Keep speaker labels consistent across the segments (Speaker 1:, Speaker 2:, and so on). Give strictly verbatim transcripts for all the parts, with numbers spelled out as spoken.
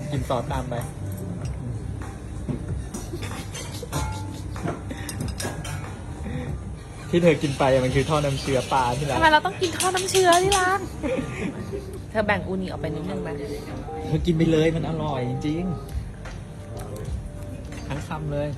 Speaker 1: กินซอสตามไปที่เธอกินไปมันคือท่อน้ำเชื้อปลาที่ร้าน
Speaker 2: ทำไมเราต้องกินท่อน้ำเชื้อที่ร้านเธอแบ่งอูนิออกไปนิดนึงไหม
Speaker 1: เธอกินไปเลยมันอร่อยจริงๆทั้งคำเลย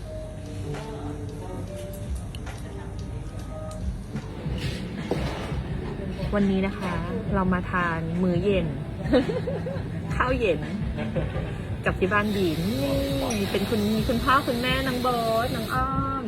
Speaker 2: วันนี้นะคะ เรามาทานมื้อเย็น ข้าวเย็นกับที่บ้านบีนนี่เป็นคุณคุณพ่อคุณแม่น้องโบ๊ทน้องอ้อม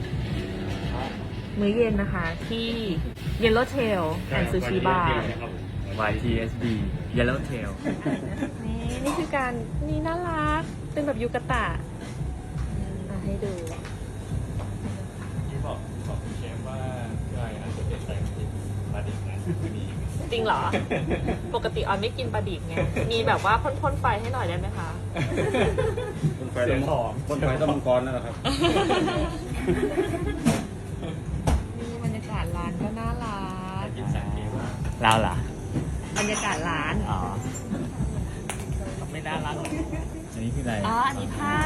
Speaker 2: มื้อเย็นนะคะ ที่ Yellowtail and Sushi Bar
Speaker 1: วาย ที เอส บี Yellowtail
Speaker 2: นี่นี่คือการนี่น่ารักเป็นแบบยูกะตะมาให้ดู
Speaker 1: ที่บอกบอกคุณเชฟว่าพี่ออยอาจจะเป็นแตงกินปลาดิบนะมี
Speaker 2: จริงเหรอ ปกติออยไม่กินปลาดิบไง มีแบบว่าพ่นๆไฟให้หน่อยได้ไหมคะ
Speaker 3: คนไฟต้องคนไฟต้องมังกรนั่นแหละครับ
Speaker 2: นี่บรรยากาศร้านก็น่ารัก
Speaker 1: กินสังเกตว่าเราเหรอบ
Speaker 2: รรยากาศร้าน
Speaker 1: อ๋อไม่น่ารักอันนี้คืออะไร
Speaker 2: อ๋อ อันนี้ผ้า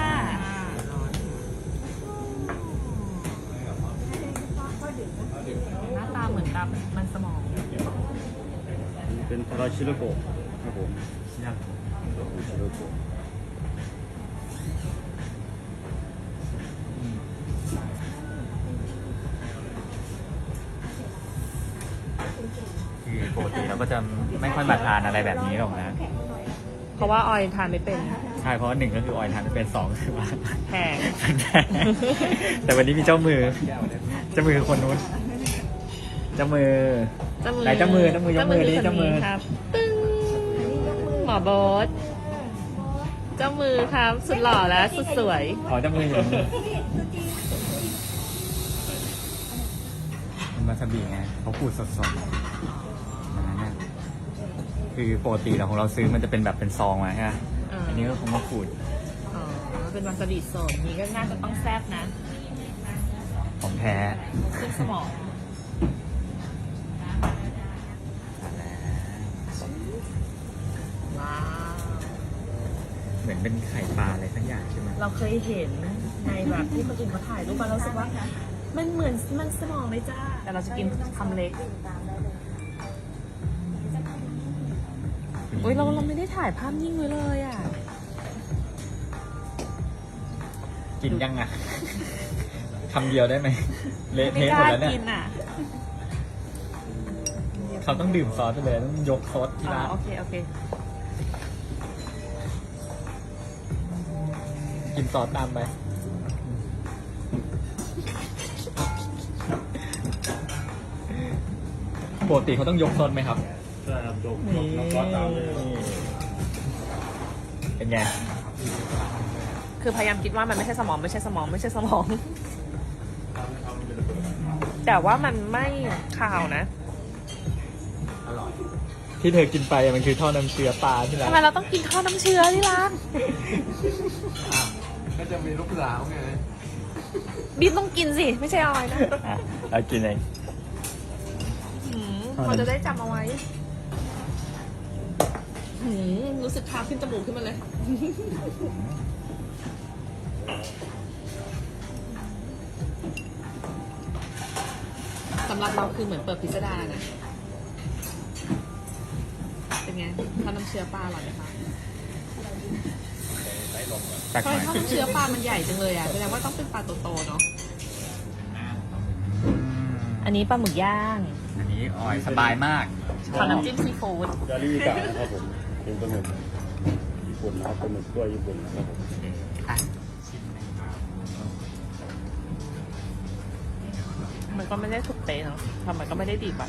Speaker 2: หน้าตาเหมือนกับมันสมอง
Speaker 3: เป็นทาราชิโรโกะครับผม
Speaker 1: ชินาโกะ
Speaker 3: ชิโรโกะ
Speaker 1: คือปกติเราก็จะไม่ค่อยมาทานอะไรแบบนี้หรอกนะ
Speaker 2: เพราะว่าออยทานไม่เป็น
Speaker 1: ใช่เพราะว่าหนึ่งก็คือออยทานไม่เป็นสองคือว่า
Speaker 2: แพง
Speaker 1: แต่วันนี้มีเจ้ามือ เจ้ามือคนนู้น เจ้ามือ
Speaker 2: เจ้ามือ
Speaker 1: ไหนเจ้ามือเจ้ามือยกมือดิเจ้ามือ
Speaker 2: คนนี้ครับตึ้งหมอโบ๊ทเจ้ามือครับสุดหล่อและสุดสวย
Speaker 1: อ๋อเจ้ามืออยู่นี่เป็นวาซาบิไงเขาขูดสดๆอย่างนั้นเนี่ยคือปกติเราของเราซื้อมันจะเป็นแบบเป็นซองมาใช่ไหม
Speaker 2: อ่า
Speaker 1: อันนี้ก็คงมาขูด
Speaker 2: อ๋อ เป็นวาซาบิสดนี้ก็น่าจะต้องแซ่บนะ
Speaker 1: ของแท้
Speaker 2: ขึ้นสมอง ว้าว
Speaker 1: เหมือนเป็นไข่ปลาอะไรสักอย่างใช่ไหม
Speaker 2: เราเคยเห็นในแบบที่คนอื่นเขาถ่ายรูปมาเรารู้สึกว่า มันเหมือนมันสมองเลยจ้า แต่เราจะกินคำเล็กอุ้ยเราเราไม่ได้ถ่ายภาพนิ่งไว้เลยอ่ะ
Speaker 1: กินยังอ่ะ คำเดียวได้ไหมเละ
Speaker 2: ไม่
Speaker 1: เทะ
Speaker 2: ก
Speaker 1: หมด
Speaker 2: ล้า
Speaker 1: แล้วเนี่
Speaker 2: กิ
Speaker 1: ย
Speaker 2: นอ่ะ
Speaker 1: เขาต้องดื่มซอสไปเลยต้องยกซอสที่
Speaker 2: อ๋อ
Speaker 1: ร้าน
Speaker 2: โอเค โอเค
Speaker 1: กินซอสตามไปปกติเขาต้องยกซอสไหมครับ
Speaker 3: ใช่ครับโดมน้ำซอสตามเลย
Speaker 1: เป็นไง
Speaker 2: คือพยายามคิดว่ามันไม่ใช่สมองไม่ใช่สมองไม่ใช่สมอง แต่ว่ามันไม่คาวนะ
Speaker 1: ที่เธอกินไปมันคือท่อน้ำเชื้อปลาที่ร้า
Speaker 2: ทำ
Speaker 1: น
Speaker 2: ไมเราต้องกินท่อน้ำเชื้อที่ร้าน
Speaker 4: ก็จะมีลูกสาวไง
Speaker 2: บีมต้องกินสิ ไม่ใช่ออยนะ
Speaker 1: อ่ะเรากินเอง
Speaker 2: หืมเขาจะได้จำเอาไว้หืมรู้สึกคาวขึ้นจมูกขึ้นมาเลย สำหรับเราคือเหมือนเปิดพิสดารนะ เป็นไงท่อน้ำเชื้อปลาอร่อยไหมคะ
Speaker 1: ตัก
Speaker 2: ทำ
Speaker 1: ห
Speaker 2: ไม
Speaker 1: น่อย
Speaker 2: ท่อน้ำเชื้อปลามันใหญ่จังเลยอ่ะแสดงว่าต้องเป็นปลาโตๆเนาะ
Speaker 1: อืม
Speaker 2: อันนี้ปลาหมึกย่าง
Speaker 1: อันนี้ออยสบายมาก
Speaker 2: ขอน้ำจิ้มซีฟู้ด
Speaker 3: จาริกะนะครับผมเป็นปลาหมึกญี่ปุ่นนะครับปลาหมึกตัวญี่ปุ่นนะครับผม
Speaker 1: อ่ะ
Speaker 2: มันก็ไม่ได้ถูกเตะเนาะทำมันก็ไม่ได้ดีกว่า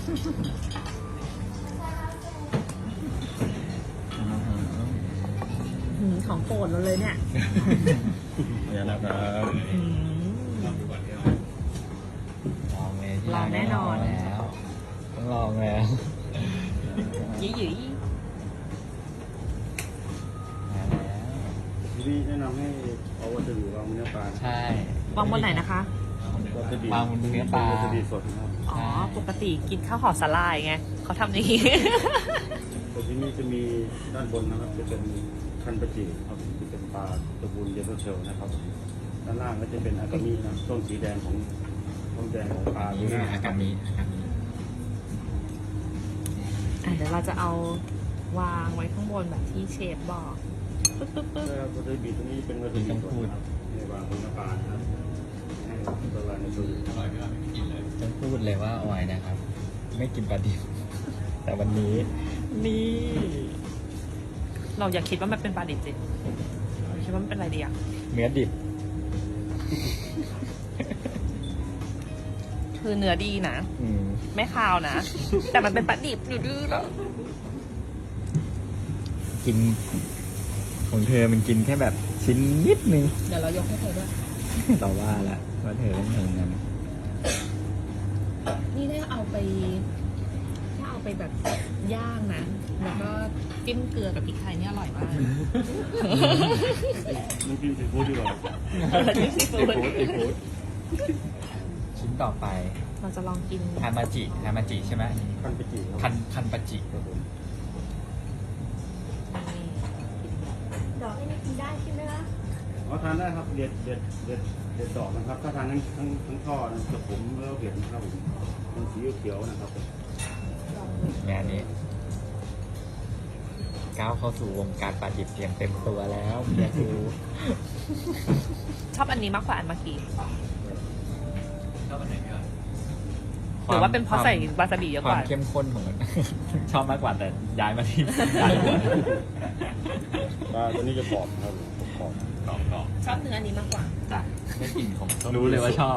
Speaker 2: หืมของโปรดเราเลยเนี่ย
Speaker 3: เนี่ยนะครับ
Speaker 2: หืม
Speaker 1: ลองเลย
Speaker 2: ลองแน่นอน
Speaker 1: แล้วต้องลองแล้ว
Speaker 2: ยี่หยี่
Speaker 1: มาแล้ว
Speaker 3: ทีนี้แนะนำให้เอาวัตถุดิบวางบนเนื้อปลา
Speaker 1: ใช่
Speaker 2: วางบนไหนนะคะ
Speaker 3: วัตถุดิบ
Speaker 1: วางบนเนื้อปลา
Speaker 3: วัตถุดิบสดนะครับ
Speaker 2: อ๋อ ปกติกินข้าวห่อสลายไงเขาทำอย่างนี้
Speaker 3: แต่ที่นี่จะมีด้านบนนะครับจะเป็นคันปะจิครับเป็นปลาตระกูลเยลโลเชลนะครับด้านล่างก็จะเป็นอากามินะต้นสีแดงของต้นแดงของปลา
Speaker 1: นี่
Speaker 3: ห
Speaker 1: คือ
Speaker 3: น้า
Speaker 1: อากามิอากามิ
Speaker 2: อ่ะเดี๋ยวเราจะเอาวางไว้ข้างบนแบบที่เชฟบอกปึ๊บปึ๊บปึ๊บ
Speaker 3: แล้วก็จะบีตรงนี้เป็นวัตถุดิบส่วนนะครับในวางบนน้ำปลานะครับให้ละลายในตัว
Speaker 1: ต้องพูดเลยว่าออยนะครับ ไม่กินปลาดิบ แต่วันนี้ นี่
Speaker 2: เราอย่าคิดว่ามันเป็นปลาดิบสิคิดว่ามันเป็นอะไรดีอะ
Speaker 1: เนื้อดิบ
Speaker 2: คือเนื้อดีนะ
Speaker 1: อืม
Speaker 2: ไม่คาวนะ แต่มันเป็นปลาดิบอยู่ดื้อแล้ว
Speaker 1: กินของเธอมันกินแค่แบบชิ้นนิดนึง
Speaker 2: เดี๋ยวเรายกให้เธอด้วย
Speaker 1: เราว่าละว่าเธอต้องทำงั้น
Speaker 2: นี่ถ้าเอาไปถ้าเอาไปแบบย่างนะ แล้วก็จิ้มเกลือกับพริกไทยนี่อร่อยมาก
Speaker 3: น้ำจิ้มซีฟู้ดดีกว่า
Speaker 2: จิ้มซีฟู้ด
Speaker 3: ซีฟู้ด
Speaker 1: ชิ้นต่อไป
Speaker 2: เราจะลองกิน
Speaker 1: ฮามาจิฮามาจิใช่ไหม
Speaker 3: คันปะจิครับ
Speaker 1: คันคันปาจิ
Speaker 3: ครับผม
Speaker 2: ดอกนี่กินได้ใช่ไหมคะ
Speaker 3: อ๋อทานได้ครับเด็ดเด็ดเด็ดเด็ดดอกนะครับ ถ้าทานทั้งทั้งทั้งท่อนะจะผมแล้วเห็นนะครับผมมันสีเขียวๆนะครับ
Speaker 1: งานนี้ก้าวเข้าสู่วงการปลาดิบเตรียมเต็มตัวแล้วเมียกู
Speaker 2: ชอบอันนี้มากกว่าอันเมื่อกี้
Speaker 1: ชอบอันไหนก่อน
Speaker 2: หรือว่าเป็นเพราะใส่วาซาบิเยอะ
Speaker 1: ค
Speaker 2: ก
Speaker 1: วาม
Speaker 2: ว่า
Speaker 1: เข้มข้นของมัน ชอบมากกว่าแต่ย้ายมาที่ย้ายหัว
Speaker 3: ปลาตัวนี้จะกรอบครับกรอบ
Speaker 1: กรอบกรอบ
Speaker 2: ชอบเนื้ออันนี้มากกว่า
Speaker 1: จ้ะได้กลิ่นของรู้เลยว่าชอบ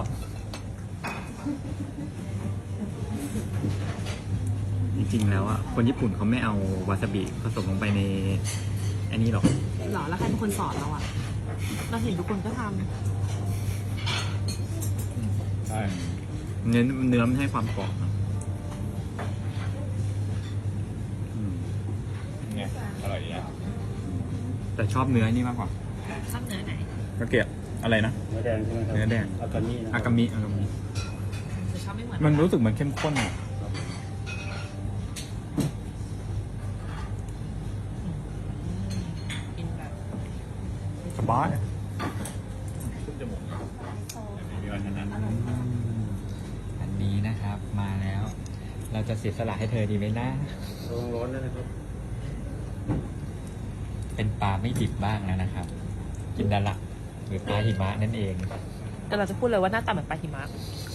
Speaker 1: จริงๆแล้วอ่ะคนญี่ปุ่นเขาไม่เอาวาซาบิผสมลงไปในอันนี้หรอก
Speaker 2: หรอ แล้วใครเป็นคนสอนเราอ่ะ เราเห็นทุกคนก็ท
Speaker 3: ใช่
Speaker 1: เนื้อเนื้อมันให้ความกรอบนะอืม
Speaker 3: ไงอร่อยดีนะ
Speaker 1: แต่ชอบเนื้อนี่มากกว่า
Speaker 2: ำชอบเนื้อไหน
Speaker 1: กระเกียบอะไรนะ
Speaker 3: เนื้อแดงใช่ไหมครับ
Speaker 1: เนื้อแดง
Speaker 3: อากามินะค
Speaker 1: อา
Speaker 3: รับ
Speaker 1: กามิอากามิ
Speaker 2: จะชอบไม่เหมือน
Speaker 1: มันรู้สึกเหมือนเข้มข้นอ่ะ
Speaker 2: กินแบบ
Speaker 1: สบาย
Speaker 3: ขึ้นจมูกมีวันนั้น
Speaker 1: อันนี้นะครับ มาแล้ว เราจะเสียสละให้เธอดีไหมนะ
Speaker 3: ระวังร้อนด้วยนะครับ
Speaker 1: เป็นปลาไม่ดิบบ้างแล้วนะครับ กินดาลักหรือปลาหิมะนั่นเอง
Speaker 2: แต่เราจะพูดเลยว่าหน้าตาเหมือนปลาหิมะ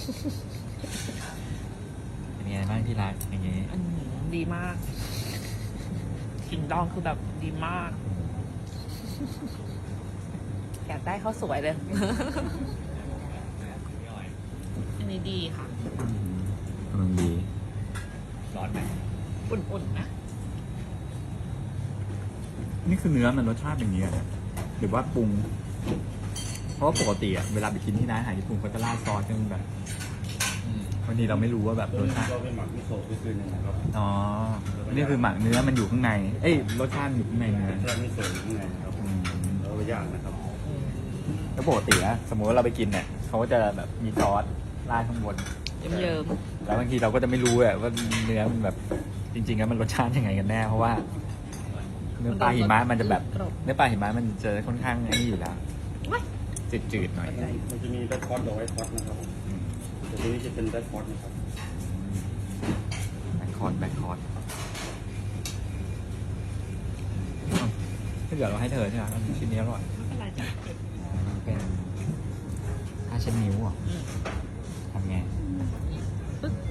Speaker 1: เป็นไงบ้างที่รักอย่างงี้
Speaker 2: อืมดีมากกลิ่นดองคือแบบดีมาก อยากได้ข้าวสวยเลย อันนี้ดีค่ะ
Speaker 1: กำลังดี ร้อนไหม
Speaker 2: อุ่นๆนะ
Speaker 1: นี่คือเนื้อมันรสชาติอย่างนี้อะหรือว่าปรุง เพราะว่าปกติอะเวลาไปกินที่ร้านอาหารญี่ปุ่นเขาจะราดซอสกันแบบบางทีเราไม่รู้ว่าแบบ
Speaker 3: ตัว
Speaker 1: รส
Speaker 3: นี้
Speaker 1: ชาติ
Speaker 3: เราเป็นหมักมิโซะก็คือหนึ่งนะครับ
Speaker 1: อ๋อ นี่คือหมักเนื้อมันอยู่ข้างใน เอ้ยรสชาติอยู่ข้างในเนื้อ
Speaker 3: รสชาติมิโซะอยู่ข้างในนะครับ
Speaker 1: อืม
Speaker 3: แล้วไปย่างนะครับ
Speaker 1: แล้วปกติอะสมมติว่าเราไปกินเนี่ยเขาก็จะแบบมีซอสราดข้างบน
Speaker 2: เยิ้ม
Speaker 1: แล้วบางทีเราก็จะไม่รู้อะว่าเนื้อมันแบบจริงๆแล้วมันรสชาติยังไงกันแน่ เพราะว่า เนื้อปลาหิมะมันจะแบบเนื้อปลาหิมะมันจะค่อนข้างไอ้นี่อยู่แล้วจืดๆหน่อย
Speaker 3: มันจะมีแบ็คคอร์ดกับไวท์คอร์ดนะครับ
Speaker 1: อืม
Speaker 3: แต่ตัวนี้จะเป็นแบ็คคอร์ดนะครับ
Speaker 1: แบ็คคอร์ดแบ็คคอร์ดถ้าเกิดเราให้เธอใช่ไหมชิ้นนี้อร่อย
Speaker 2: ไม่เป็นไรจ้ะ
Speaker 1: มันเป็นผ้าเช็ดนิ้วเหรอ่ะ
Speaker 2: อืม
Speaker 1: ทำไง
Speaker 2: ปึ๊บ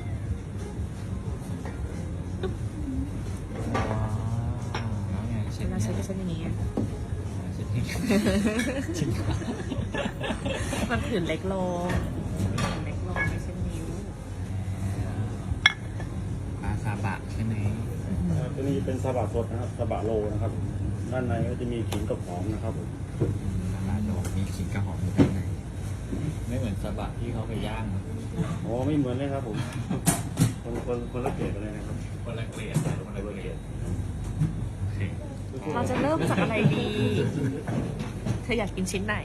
Speaker 1: ว้าวแล้วไงเช็ด
Speaker 2: เวลา
Speaker 1: นิ้
Speaker 2: ใช้
Speaker 1: ว
Speaker 2: ก็ใช้อย่างนี้
Speaker 1: เช็ดนิ้วจริงเหรอ
Speaker 2: มันผื่นเล็กลงเล็กลงไม่ใช่นิ้ว
Speaker 1: ปลาซาบะใช่ไหม
Speaker 3: อ่าตัวนี้เป็นซาบะสดนะครับซาบะโลนะครับ ด้านในก็จะมีขิงกับหอมนะครับผม
Speaker 1: ซาบะโดดมีขิงกระหอมอยู่ข้างในไม่เหมือนซาบะที่เขาไปย่าง
Speaker 3: อ๋อไม่เหมือนเลยครับผม คนคนคนละเกรดกันเลยนะครับ
Speaker 1: คนละเกลียดคนละเกลียด
Speaker 2: เราจะเริ่มจากอะไรดี เธออยากกินชิ้นไหน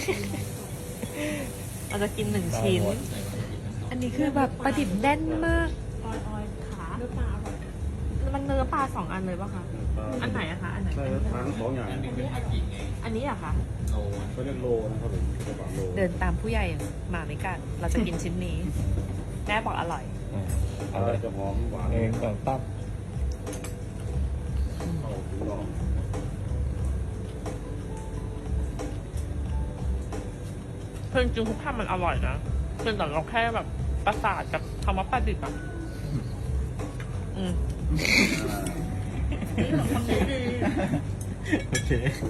Speaker 2: เราจะกินหนึ่งชิ้น อันนี้คือแบบประดิบแน่นมาก ออยออยขามันนื้อปลาสองอันเลยป่ะคะ อันไหนอะคะ อันไหน
Speaker 3: ใช่ครับทานทั้งสองอย่าง
Speaker 1: อันหนึงเป็นฮากิไง
Speaker 2: อันนี้อะคะ
Speaker 1: โล
Speaker 3: เขาเรียกโลนะครับผมกระบะโล
Speaker 2: เดินตามผู้ใหญ่มาไม่กัน เราจะกินชิ้นนี้ แม่บอกอร่อย
Speaker 1: เอาเลย
Speaker 3: จะหอมหวาน
Speaker 1: เองก่อนตั้ม
Speaker 3: เข้าถึงลอง
Speaker 2: เพิ่งจริงทุกคำมันอร่อยนะเพียงแต่เราแค่แบบประสาทกับคำว่าปลาดิบอะอืม
Speaker 1: โอเค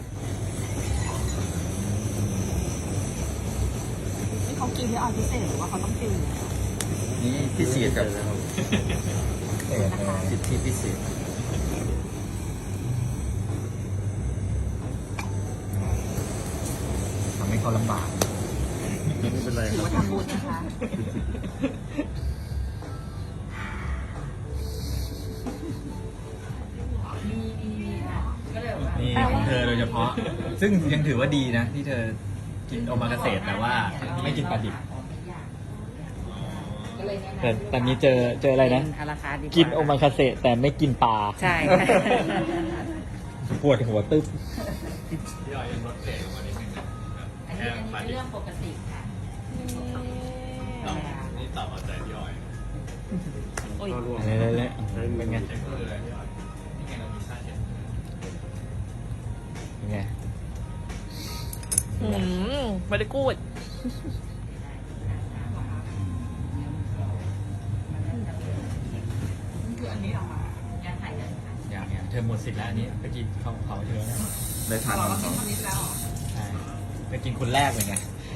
Speaker 2: นี่เขากินที่ออยพิเศษหรือว่าเขาต้องกิน
Speaker 1: นี่พิเศษกับ
Speaker 3: นะครับ
Speaker 1: สิทธิพิเศษทำให้เขาลำบาก
Speaker 3: ไม่เป็นไร
Speaker 2: ถือ
Speaker 3: ครับ
Speaker 2: ว่าทำบุญนะคะ
Speaker 1: นี่ของเธอโดยเฉพาะ ซึ่งยังถือว่าดีนะ ที่เธอกินโอมากาเสะแต่ว่าไม่กินปลาดิบแต่ตอนนี้เจอเจออะไรนะ
Speaker 2: อาราคาดี
Speaker 1: กินโอมากาเสะแต่ไม่กินปลา
Speaker 2: ใช่
Speaker 1: ปวดหัวตึ๊บ
Speaker 4: อันนี้อันนี้เป็นเรื่องปกติค่ะ
Speaker 1: นี่ตอบเอาใจพี่อ้อย
Speaker 2: โอ้ย
Speaker 3: ก็ร่วม
Speaker 1: เละ
Speaker 3: ใช้
Speaker 1: ๆ
Speaker 3: มื
Speaker 1: เป็
Speaker 3: อน
Speaker 1: ไง
Speaker 3: ใช้มือ
Speaker 1: เป็นไง
Speaker 2: อืมไม่ได้กูด
Speaker 4: คืออันนี้เหรอคะยาถ่ายกันค่ะ
Speaker 1: อย่างเนี้ยเธอหมดสิทธิ์แล้วอันนี้เมื่อกี้เขาเขาเธอได้ทาน
Speaker 4: เรากินคนนี้แล้วเหรอ
Speaker 1: ใช่ไปกินคนแรกเลยไง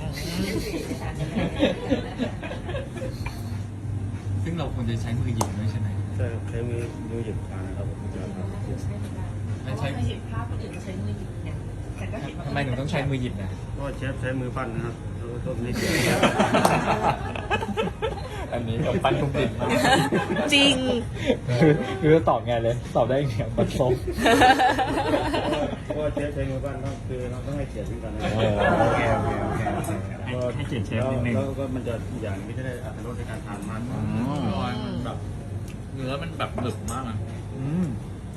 Speaker 1: ซึ่งเราควรจะใช้มือหยิบด้วยใช่ไหม
Speaker 3: ใช่ครับใช้มือมือหยิบทานนะครับผมจะทำ
Speaker 1: ไม่ใช่
Speaker 4: เคยเห็นภาพคนอื่นเขาใช้มือหยิบเนี่ยแต่ก็เห็นว่า
Speaker 1: ทำไมหนูต้องใช้มือหยิบนะ
Speaker 3: ก็เชฟใช้มือปั้นนะครับแล้วก็ไม่เสีย
Speaker 1: อันนี้กับปั้นทุกดิบมาก
Speaker 2: จริง
Speaker 1: คือจะตอบไงเลย ตอบได้อย่างเดียวปัดส้ม
Speaker 3: เพราะว่าเชฟใช้มือปั้นก็คือเราต้องให้เกียรติซึ่งกันนะ
Speaker 1: เออโอเคโอเคโอเคโอเคให้ให้เกียรติเชฟนิดนึง
Speaker 3: แล้วก็มันจะอีกอย่างที่จะได้อรรถรสในการทานมากกว่า
Speaker 1: มันแบบเนื้อมันแบบหนึบมากอ่ะอืม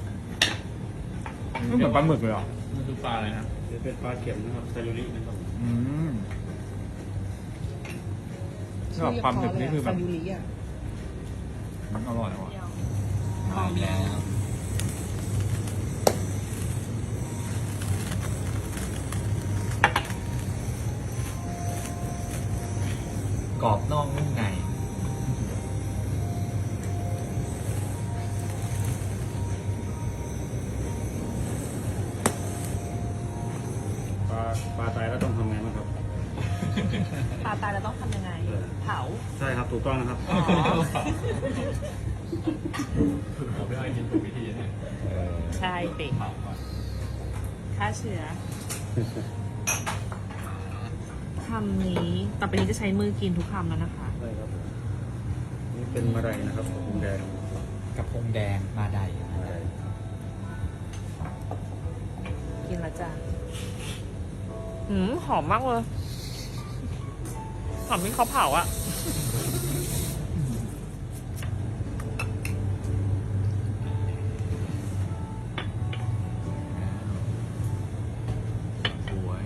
Speaker 1: มันเหมือนปลาหมึกเลยอ่ะมันคือปลาอะไรนะ
Speaker 3: จะเป็นปลาเข็มนะครับซาลูรินะครับ
Speaker 1: อืมชอบความหนึบนี่คือแบบ
Speaker 4: ยูริอ่ะ
Speaker 1: มันอร่อยว่ะมาอีกแล้วกรอบนอกนุ่มใน
Speaker 3: ปลาปลาตายแล้วต้องทำไงบ้างครับ
Speaker 2: ปลาตายเราต้องทำยังไง เผา
Speaker 3: ใช่ครับถูกต้องนะครับ
Speaker 2: อ๋อ
Speaker 1: ผมไม่ได้กินถูกวิธีเนี่ย
Speaker 2: ใช่ปิ
Speaker 1: เผาก่อน
Speaker 2: ฆ่าเชื้อคำนี้ต่อไปนี้จะใช้มือกินทุกคำแล้วนะคะ
Speaker 3: ใช่ครับผมนี่เป็นมะไรนะครับผมแดง
Speaker 1: กระพงแดงมาได
Speaker 3: มะไร
Speaker 2: กินแล้วจ้ะหืมหอมมากเลย หอมที่เขาเผาอะ
Speaker 1: สวย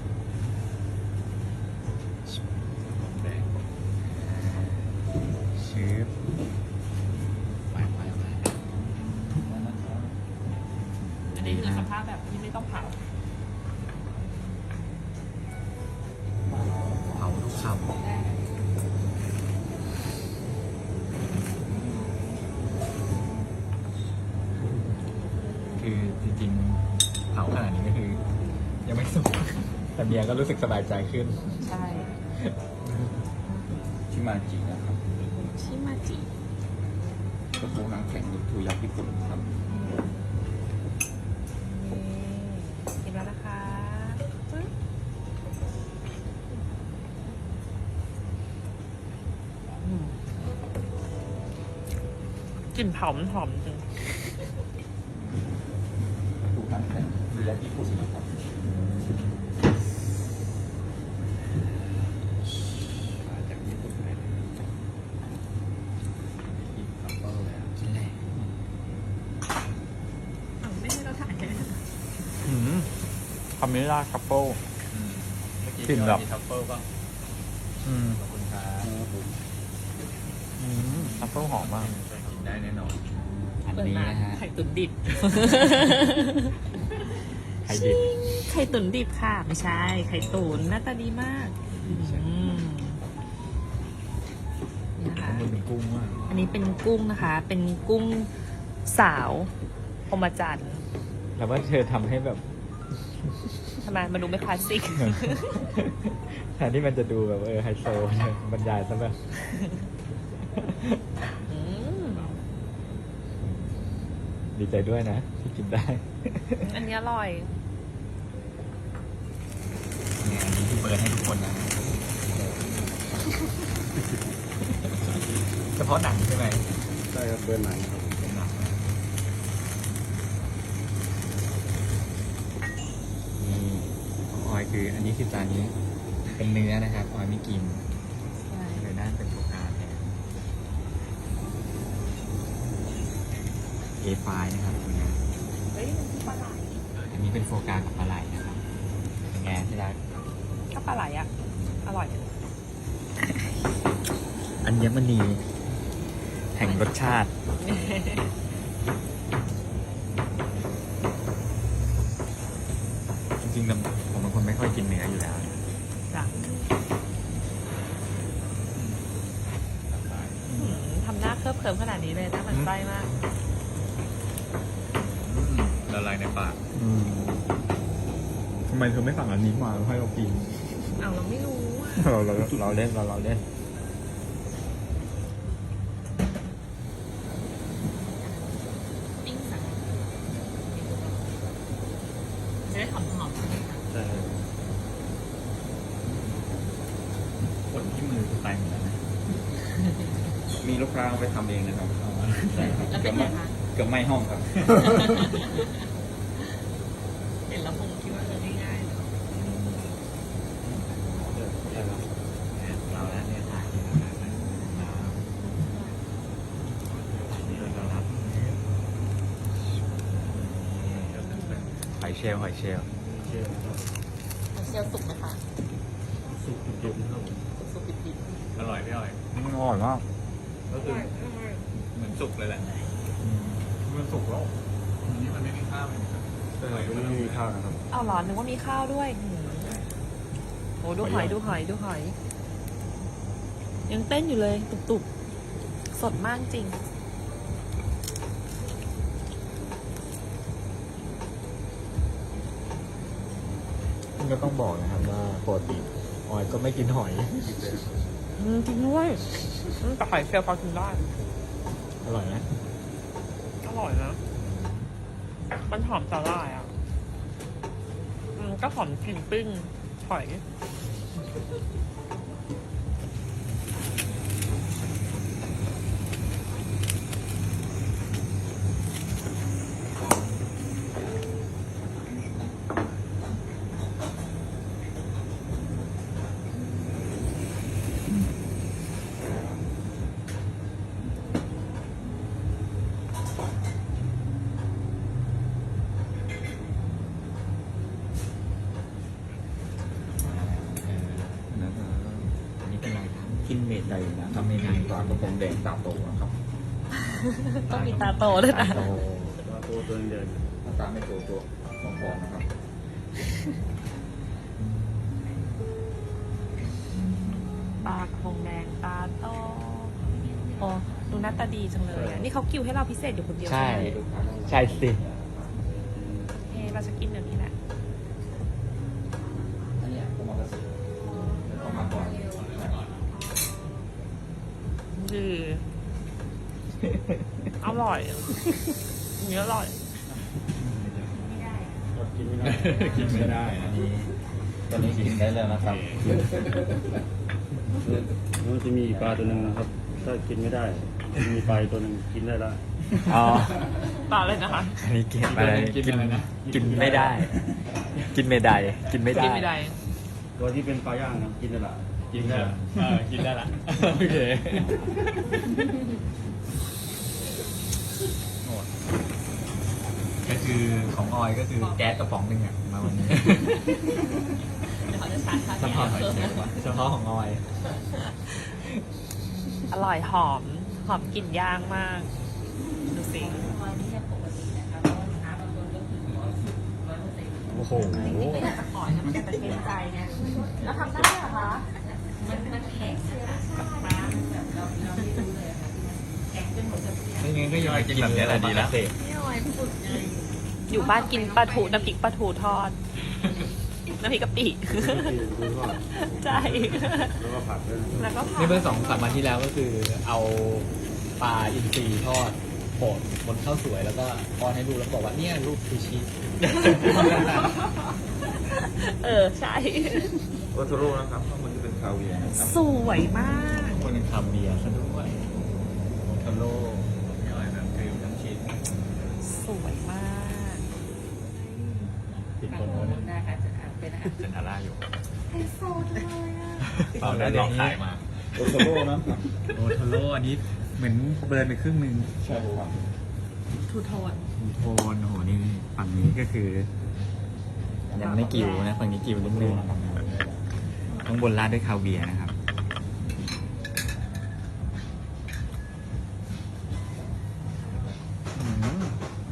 Speaker 1: กระพงแดงชืบไปไปไป
Speaker 2: อันนี้คือสภาพแบบที่ไม่ต้องเผา
Speaker 1: เผาทุกคำคือจริงๆเผาขนาดนี้ก็คือ ยังไม่สุกแต่เมียก็รู้สึกสบายใจขึ้น
Speaker 2: ใช่
Speaker 5: ชิมาจินะครับ
Speaker 2: ชิมาจิ
Speaker 5: กระโปรงหนังแข็งทูยักษ์ญี่ปุ่นครับ
Speaker 2: นี่กินแล้วนะคะปึ๊บอืมกลิ่นเผามันหอมจริง
Speaker 5: ทูหนังแข็งทูยักษ์ญี่ปุ่นนะครับมาจากญี่ปุ่นเลยกินกับก็เลย
Speaker 1: ชิ้นแรกคาเมล่าคัพเปิล
Speaker 5: อืมเมื่อกี้
Speaker 1: กลิ่นแบบ
Speaker 5: มีทัฟเฟิลป่ะ
Speaker 1: อืม
Speaker 5: ขอบคุณครับ
Speaker 3: ครับผม
Speaker 1: อืมคัพเปิลหอมมาก
Speaker 5: กินได้แน่นอน
Speaker 1: อัน
Speaker 2: เปิด
Speaker 1: นี้
Speaker 2: มา
Speaker 1: นะฮะ
Speaker 2: ไข่ตุ๋นดิบ
Speaker 1: ไข่ดิบ
Speaker 2: ไข่ตุ๋นดิบค่ะ ไม่ใช่ ไข่ตุ๋นหน้าตาดีมากอืมนี่นะคะ
Speaker 1: ข้างบนเป็นกุ้งมาก
Speaker 2: อันนี้เป็นกุ้งนะคะ เป็นกุ้งสาวพรหมจันทรย์
Speaker 1: แล้วว่าเธอทำให้แบบ
Speaker 2: ทำไมมันดูไม่คลาสสิก
Speaker 1: แทนที่มันจะดูแบบเออไฮโซเนี่ยบรรยายซะแบบ
Speaker 2: อืม
Speaker 1: ดีใจด้วยนะ ที่กินได้
Speaker 2: อันนี้อร่อย
Speaker 1: เนี่ยอันนี้ที่เปิดให้ทุกคนนะเฉพาะหนังใช่ไหม
Speaker 3: ใช่ครับเบอร์หนังครับ
Speaker 1: เป็นหนังนะนี่ของออยคืออันนี้คือจานนี้ เป็นเนื้อนะครับออยไม่กินเลยน่าเป็นโฟกาแทน เอ ไฟ นะครับคุณนะ
Speaker 2: เฮ้ยมันคือปลาไหล
Speaker 1: อันนี้เป็นโฟกากับปลาไหลนะครับเป็นไงที่รัก
Speaker 2: ก็ปลาไหลอ่ะ อร่อย
Speaker 1: อัญมณีแห่งรสชาติ จริงๆผมเป็นคนไม่ค่อยกินเนื้ออยู่แล้ว
Speaker 2: จ้ะอืมทำหน้าเคลิบเคลิ้มขนาดนี้เลยนะมันไส้มาก
Speaker 5: ละลายในปาก
Speaker 1: ทำไมเธอไม่สั่งอันนี้มาให้เรากิน
Speaker 2: เอาเราไม่รู้อ่ะ
Speaker 1: เราเราเราเล่นเราเราเล่น
Speaker 2: ปิ้งสังจะได้หอมๆใช่ไหมคะ
Speaker 3: ใช่ครับ
Speaker 1: ขนที่มือตายหมดแล้วนะ
Speaker 5: มีลูกค้าเอาไปทำเองนะครับใช่ครับ
Speaker 2: แล้วเป็นไงคะ
Speaker 5: เกือบไหม้ห้องครับ
Speaker 2: เห็นแล้วคงคิดว่าเออง่ายๆเนอะ
Speaker 3: ใช่ครับ
Speaker 1: เราแล้วเนี่ยถ่ายหอยเชลล์หอยเชลล์
Speaker 3: เชื่อครับ
Speaker 2: เซียวสุกไหมคะ
Speaker 3: สุกดิบๆนะครับผม
Speaker 2: สุกดิบ
Speaker 5: อร่อยพี่อร่อย
Speaker 1: อร่อยมาก
Speaker 5: ก็คือเหมือนสุกเลยแหละ
Speaker 1: มันสุกแล้ว
Speaker 5: อันนี้มันไม่มีข้าวเลยนะครับ
Speaker 3: ใช่ครับตัวนี้ไม่มีข้าวนะครับ
Speaker 2: เอาเหรอนึกว่ามีข้าวด้วยอืมโอ้ดูหอยดูหอยดูหอย ยังเต้นอยู่เลยตุบๆ สดมากจริง
Speaker 1: ก็ต้องบอกนะครับว่าปกติออยก็ไม่กินหอย
Speaker 2: อืมจริงด้วยอืมแต่หอยเชลล์พอกินได้
Speaker 1: อร่อยไหม
Speaker 2: อร่อยนะ มันหอมสาหร่ายอ่ะ อืมก็หอมกลิ่นปิ้งหอย
Speaker 1: อันนี้เป็นอะไรครับ
Speaker 5: กินเมดใดนะครับเมดใดปลากระพงแดงตาโตนะครับ
Speaker 2: ต้องมีตาโตด้วยนะ
Speaker 1: โต
Speaker 3: แต่ว่าตัวตัวเดิน
Speaker 5: หน้าตาไม่โตตัวฟองๆนะครับ
Speaker 2: ปลากระพงแดงตาโตโอ้ดูหน้าตาดีจังเลยอะนี่เขากิวให้เราพิเศษอยู่คนเดียว
Speaker 1: ใช่
Speaker 2: ไหม
Speaker 5: ลูกค้า
Speaker 1: ใช่สิ
Speaker 2: เฮ้เราจะกินแบบนี้แหละ
Speaker 5: อันเนี้ยผมเอากระสือเอามาก่อน
Speaker 2: ดีอร่อยอันนี้อร่อย
Speaker 3: กินไม่ได้
Speaker 1: กินไม่ได้อันนี้
Speaker 5: ตอนนี้กินได้แล้วนะครับ
Speaker 3: แล้วมันจะมีปลาตัวหนึ่งนะครับ ถ้ากินไม่ได้มีปลาอีกตัวหนึ่งกินได้ละ
Speaker 1: อ๋อ
Speaker 2: ปลาเลยนะคะ
Speaker 1: อันนี้กินอะไรกินกินไม่ได้ กินไม่ได้ กินไม่ได้
Speaker 2: กินไม่ได้
Speaker 3: ตัวที่เป็นปลาย่างนะกินได้ละ
Speaker 1: กินได้เออกินได้ละโอเคก็คือของออยก็คือแก๊สกระป๋องหนึ่งอะมาวันนี้
Speaker 4: เดี๋ยวเขาจะชาร์จค่า
Speaker 1: เฉ
Speaker 4: แก๊
Speaker 1: พาะ
Speaker 4: สเพิ่มนะ
Speaker 1: เฉพาะของออย
Speaker 2: อร่อยหอม หอมกลิ่นย่างมาก ดูสิ
Speaker 4: ออยนี่เนี่ยปกตินะคะเพราะว่าลูกค้าบางคนก็คือร้อยสิบร้อยเปอร์เซ็นต์
Speaker 1: โอ้โห
Speaker 4: จริงๆก็อยากจะขอนะมันจะเป็นเกรงใจไงแล้วทำได้เหรอคะมันมันแข็งนะคะฟ้ามันแบบเราเราไม่รู้เลยค่ะแข็งจนหมดจะ
Speaker 1: ไม่งั้นก็ยอยกินแบบนี้แหละดีแล้ว
Speaker 4: ไม่ออยฝึกไง
Speaker 2: อยู่บ้านกินปลาทูน้ำพริกปลาทูทอด น้ำพริกกะปิ
Speaker 3: ดูทอด
Speaker 2: ใช่
Speaker 3: แล้วก็ผัดด้วยนะครับ
Speaker 2: แล้วก็ผั
Speaker 1: นี่
Speaker 2: ก
Speaker 1: เมื่อสองสามวันที่แล้วก็คือเอาปลาอินทรีทอดโปะบนข้าวสวยแล้วก็ป้อนให้ดูแล้วบอกว่าเนี่ยรูปซูชิ
Speaker 2: เออ ใช่
Speaker 5: โอโทโร่นะครับข้างบนจะเป็นคาเวียร์นะครับ
Speaker 2: สวยมาก
Speaker 1: คนหนึ่งทำเบียร์ซะด้วยโมทาโร่ย่อยแบบคือทั้งชิ้น
Speaker 2: สวยมาก
Speaker 1: ติด
Speaker 4: บาง
Speaker 1: คน
Speaker 4: ค
Speaker 1: โน้
Speaker 4: น
Speaker 1: น
Speaker 4: นะคะจะเป็นอาหาร
Speaker 1: เซนทาร่าอยู่
Speaker 2: ไฮโซจังเลยอ่ะ
Speaker 1: เปล่าได้ลองขายมา
Speaker 5: โอโทโร่นะครับ
Speaker 1: โมทาโร่อันนี้เหมือนเบิร์นไปครึ่งหนึ่ง
Speaker 5: ใช่ครับ
Speaker 2: ทูโทน
Speaker 1: โทนโอ้โหนี่ฝั่งนี้ก็คือยังไม่กิวนะฝั่งนี้กิวนิดนึงข้างบนราดด้วยคาเวียร์นะครับอืม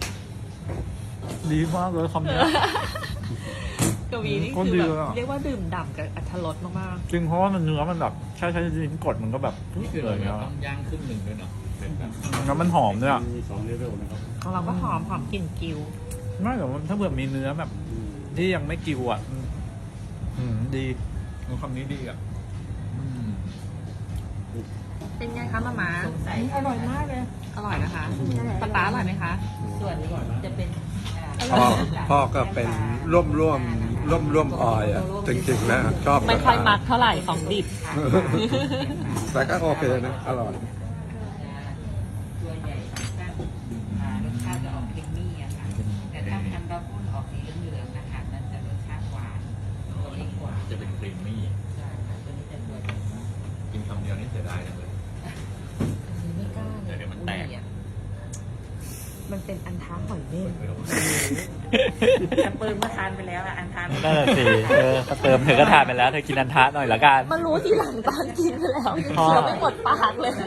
Speaker 1: ดีมากเลยคำนี้
Speaker 2: กวีนี่
Speaker 1: โคตร
Speaker 2: คือ
Speaker 1: ดี
Speaker 2: แบบ
Speaker 1: เลยอะ
Speaker 2: เรียกว่าดื่มด่ำกับอรรถรสมาก
Speaker 1: จริงเพราะว่ามันเนื้อมันแบบใช่ใช่ลิ้นกดมันก็แบบ
Speaker 6: นี่คือ
Speaker 1: เล
Speaker 6: เรา
Speaker 1: ย
Speaker 6: ต้องย่างครึ่งหนึ่งด้วยเนาะเป็นแบบ
Speaker 1: แล้วมันหอมด้วยอ่ะ
Speaker 3: มีสองเลเวลนะครับ
Speaker 2: ๆของเราก็หอมหอมกลิ่นกิว
Speaker 1: ไม่แต่ว่าถ้าเผื่อมีเนื้อแบบ
Speaker 3: อืม
Speaker 1: ที่ยังไม่กิวอ่ะอืมอืมดีคำนี้ดีอ่ะอืม
Speaker 2: เป็นไงคะมาม่า
Speaker 4: สงสัย
Speaker 2: อร่อยมากเลย อร่อยนะคะปลาป๊าอร่อยไหมคะ
Speaker 4: ส่วนนี้จะเป็นอ่า
Speaker 7: พ่อพ่อก็เป็นร่วมร่วมร่วมร่วมออยอ่ะจริงๆนะชอบ
Speaker 2: ไม่ค่อยมักเท่าไหร่ของดิบ
Speaker 7: แต่ก็โอเคนะอร่อย
Speaker 4: ตัวใหญ่สองสั้นอ่ารสชาติจะออกเค็มมี่อะค่ะ แต่ถ้าทำบาปุ้นออกสีเหลืองๆนะคะนั่นจะรสชาติหวานตัวเล็กกว่า
Speaker 6: จะเป็นครีมมี่
Speaker 4: ใช่ค่ะตัวนี้จะตัวใหญ่กว่า
Speaker 6: กินคำเดียวนี่เสียดายจังเลย
Speaker 4: ไม่กล้าเลย
Speaker 6: เดี๋ยวมันแตก
Speaker 2: มันเป็นอันท้าหอยเม่น
Speaker 6: ไม่รู้
Speaker 4: แต่ปืนเมื่อทานไปแล้วอะอันทาน
Speaker 1: นั่นแหละสิเออถ้าเติมเธอก็ทานไปแล้วเธอกินอันทะหน่อยละกัน
Speaker 2: มารู้ทีหลังตอนกินไปแล้ว
Speaker 1: อ๋อ
Speaker 2: เคี้ยวไม่หมดปากเลย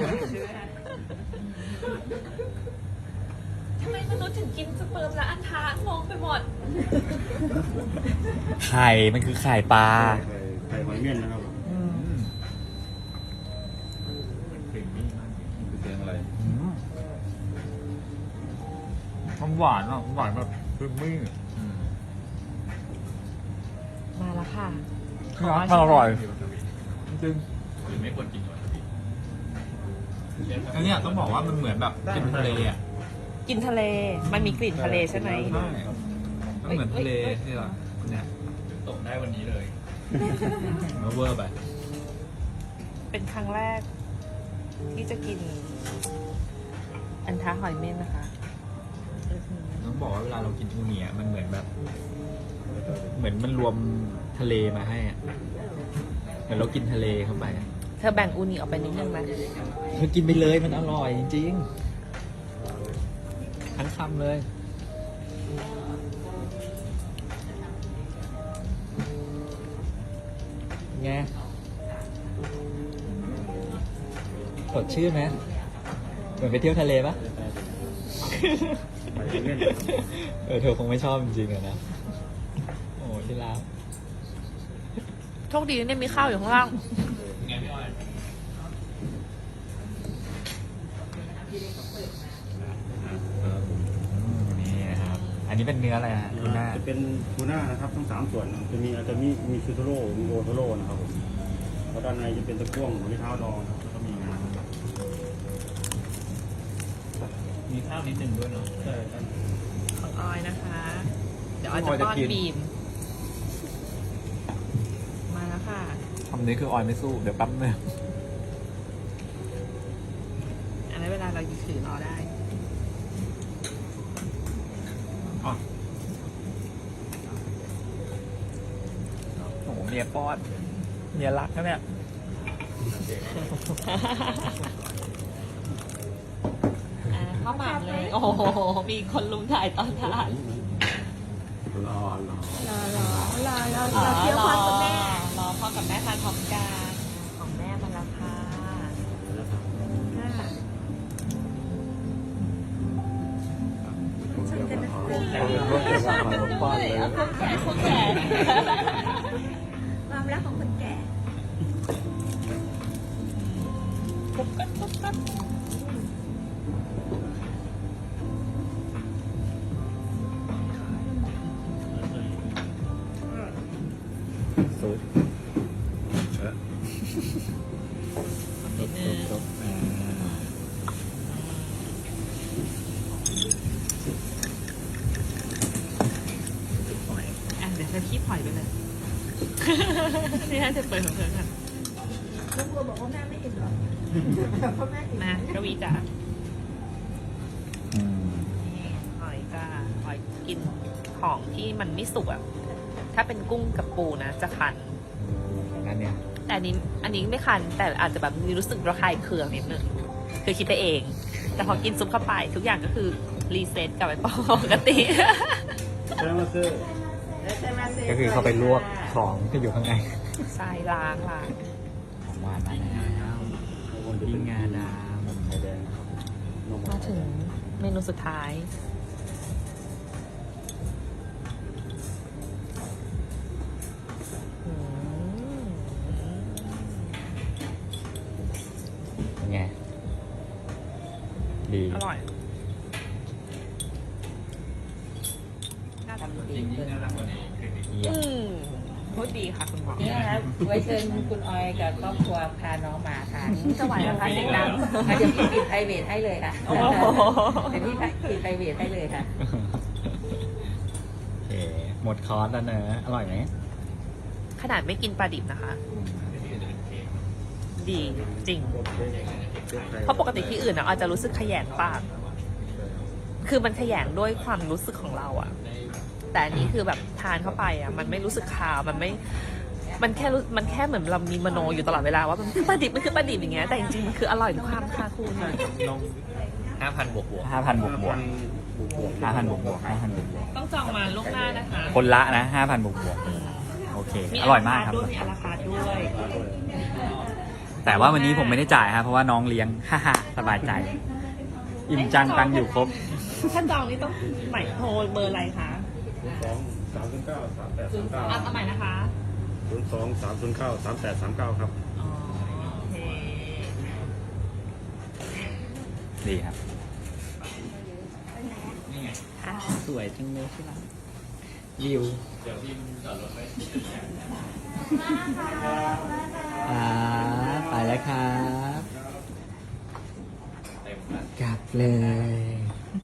Speaker 2: ทำไมมนุษย์ถึงกินสเปิร์มและอันท้างงไปหมด
Speaker 1: ไข่มันคือไข่ปลา
Speaker 3: ไข่ไข่หอยเม่นนะครับ
Speaker 6: เป็นครีมมี่มากจริง
Speaker 5: คือเสียงอะไร
Speaker 1: มันหวานอ่ะหวานแบบคือมี่
Speaker 6: อืม
Speaker 2: มาแล้วค่ะ
Speaker 1: มันอร่อย
Speaker 6: ที่วาซาบิ
Speaker 1: จริง
Speaker 6: หรือไม่ควรกินวาซาบิ
Speaker 1: อันเนี้ยต้องบอกว่ามันเหมือนแบบกินทะเลอ่ะ
Speaker 2: กินทะเล มันมีกลิ่นทะเลใช่ไหม
Speaker 1: ใช่มันเหมือนทะเลที่เราเนี่ย
Speaker 6: ตกได้วันนี้เลย
Speaker 1: มันเวอร์ไป
Speaker 2: เป็นครั้งแรก ที่จะกิน อันท้าหอยเม่นนะคะอื้อหือ
Speaker 1: ต้องบอกว่าเวลาเรากินอูเนียมันเหมือนแบบ เหมือนมันรวมทะเลมาให้อ่ะเหมือนเรากินทะเลเข้าไปอะ
Speaker 2: เธอแบ่งอูนิออกไปนิดนึงไหม
Speaker 1: เธอกินไปเลยมันอร่อยจริงๆทั้งคำเลยไงสดชื่นไหมเหมือนไปเที่ยวทะเลปะ
Speaker 3: ไข่หอยเม่น
Speaker 1: เออเธอคงไม่ชอบจริงๆอะนะ โอ้ที่รัก
Speaker 2: โชคดีนะเนี่ยมีข้าวอยู่ข้างล่าง
Speaker 6: ไงพี่ออย
Speaker 1: นี่นะครับ อันนี้เป็นเนื้ออะไรฮะทูน่า
Speaker 3: จะเป็นทูน่านะครับทั้งสามส่วนนะจะมีอาจจะมีมีชูโทโร่มีโอโทโร่นะครับผมแล้วด้านในจะเป็นตะกั่วหมูที่เท้าดองครับแล้วก็มีงาครับ
Speaker 6: มีข้าวนิดนึงด้วยเนาะ
Speaker 3: ใช่ครับ
Speaker 2: ของออยนะคะ เดี๋ยวออยจะป้อนบีม มาแล้วค่ะ
Speaker 1: คำนี้คือออยไม่สู้ เดี๋ยวแปั๊บนึง
Speaker 2: อันนั้นเวลาเราถือรอได้
Speaker 1: อ๋อโอ้โหเมียป้อนเมียรักนะเนี่ย
Speaker 2: อ่าพ่อข้าวหมากเลย โอ้โห มีคนลุมถ่ายตอนทาน
Speaker 7: รอรอ
Speaker 2: รอรอรอรอรอเที่ยวพ่อกับแม่รอพ่อกับแม่ทานพร้อมกันของแม่มาแล้วค่ะค่ะ
Speaker 7: เอาเป็นว่าจะมามาป้อนเลย
Speaker 2: เอาคนแก่คนแก่
Speaker 8: ความรักของคนแก่
Speaker 2: ปุ๊บกัดปุ๊บกัด
Speaker 1: ซุป
Speaker 7: เออ
Speaker 2: นิดนึง
Speaker 1: ซุปอ่า
Speaker 2: อ่ะเดี๋ยวเธอขี้ปล่อยไปเลย นี่ให้เธอเปิดของเธอค่ะ
Speaker 8: ลูกวัวบอกว่าแม่ไม่เห็นหรอกเพราะแม่เห็น
Speaker 2: นะกวีจ๋า
Speaker 1: อืม
Speaker 2: นี่หอยจ้าหอยกินของที่มันไม่สุกอ่ะ ถ้าเป็นกุ้งกับปูนะจะคัน
Speaker 1: งั้นเนี่ย
Speaker 2: แต่อันนี้อันนี้ไม่คัน แต่อาจจะแบบมีรู้สึกระคายเคืองนิดนึงคือคิดไปเอง แต่พอกินซุปเข้าไปทุกอย่างก็คือรีเซ็ตกลับไปปกติ
Speaker 3: แซมมาซื้อ
Speaker 1: ก็คือเขาไปลวกของที่อยู่ข้างใน
Speaker 2: ใช่ล้างล้าง
Speaker 1: ของหวานมาแล้วปิ้งงาด
Speaker 3: ไข่แดงครับนม
Speaker 2: มาถึงเมนูสุดท้าย อืม
Speaker 1: ำเป็นไง ดี
Speaker 2: อร่อย
Speaker 4: ทำ
Speaker 6: จ
Speaker 4: ดี
Speaker 6: ริง
Speaker 4: เกิน
Speaker 6: ๆน่ารักกว่านี้คือ
Speaker 1: เยี่ยม
Speaker 2: อืมพูดดีค่ะคุณหมอ
Speaker 4: นี่นะครับไว้เชิญคุณออยกับครอบครัวพาน้องมาทาน
Speaker 2: จะไหวแล้วคะเสียงดัง
Speaker 4: อ่ะเดี๋ยวพี่ปิดไพรเวทให้เลยค่ะ
Speaker 2: โอ้โห
Speaker 4: เดี๋ยวพี่ปิดไพรเวทให้เลยค่ะ
Speaker 1: โอเค หมดคอร์สแล้วเนอะอร่อยไหม
Speaker 2: ขนาดไม่กินปลาดิบนะคะ ดีจริง เพราะปกติที่อื่นนะอาจจะรู้สึกขยงปาก คือมันขยงด้วยความรู้สึกของเราอะแต่อันนี้คือแบบทานเข้าไปอะมันไม่รู้สึกคาว มันไม่ มันแค่รู้มันแค่เหมือนเรามีมโนอยู่ตลอดเวลาว่ามันคือปลาดิบ มันคือปลาดิบอย่างเงี้ย แต่จริงๆมันคืออร่อยทุกความค่ะคุณ
Speaker 6: ห้าพันบวกบวก
Speaker 1: ห้าพันบวกบวก
Speaker 3: บวกบวก
Speaker 1: ห้าพันบวกบวกห้าพันบวกบวก
Speaker 2: ต้องจองมาล่วงหน้านะคะ
Speaker 1: คนละนะห้าพันบวกบวกโอเค อร่อยมากครับ
Speaker 2: ด้วยมีอาราคาร์ทด้วย
Speaker 1: แต่ว่าวันนี้ผมไม่ได้จ่ายครับเพราะว่าน้องเลี้ยง ฮ่าฮ่าสบายใจ อิ่มจังตังอยู่ครบ
Speaker 2: ถ้าจองนี่ต้องหมายโทรเบอร์อะไรคะ
Speaker 3: สองสามศูนย์เก้าสามแปดสามเก้า
Speaker 2: อ่ะสมัยนะคะ
Speaker 3: ศูนย์สองสามศูนย์เก้าสามแปดสามเก้าครับ
Speaker 2: อ๋อโอเค
Speaker 1: ดีครับ
Speaker 2: ค่ะ
Speaker 1: สวยจังเลยใช่ไหมวิว
Speaker 6: เดี๋ยวพี่จอดรถไว้
Speaker 1: อ่าไปแล้วครับ
Speaker 6: เต็มแล้ว
Speaker 1: กลับเลย